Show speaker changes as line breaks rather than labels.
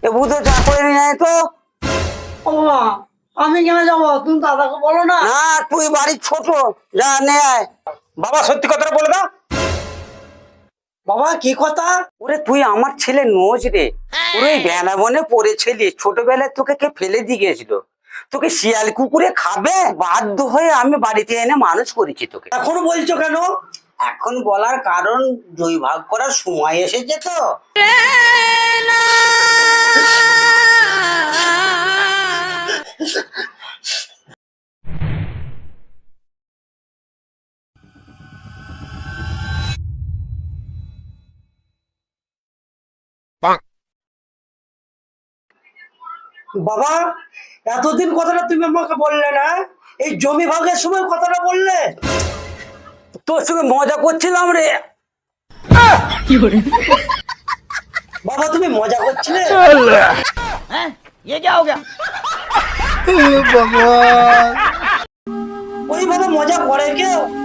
এ ভূত চা করে নিয়ে আয় তো।
ও বাবা, আমি কেন যাবো? তুমি দাদাকে বলো না।
না তুই বাড়ির ছোট, যা নে আয়।
বাবা সত্যি কথাটা বলে দাও।
বাবা কি কথা?
ওরে তুই আমার ছেলে নোজ রে। ওরে ওই বেলা বনে পড়েছিলি, ছোটবেলায় তোকে কে ফেলে দিয়ে গেছিল, তোকে শিয়াল কুকুরে খাবে বাধ্য হয়ে আমি বাড়িতে এনে মানুষ করেছি তোকে।
এখনো বলছো কেন?
এখন বলার কারণ দুই ভাগ করার সময় এসেছে তো।
বাবা, এতদিন কথাটা তুমি আমাকে বললে না, এই জমি ভাগের সময় কথাটা বললে।
তোর সঙ্গে মজা করছিলাম রে।
বাবা তুমি মজা করছিলে? ওইভাবে মজা করে কেউ?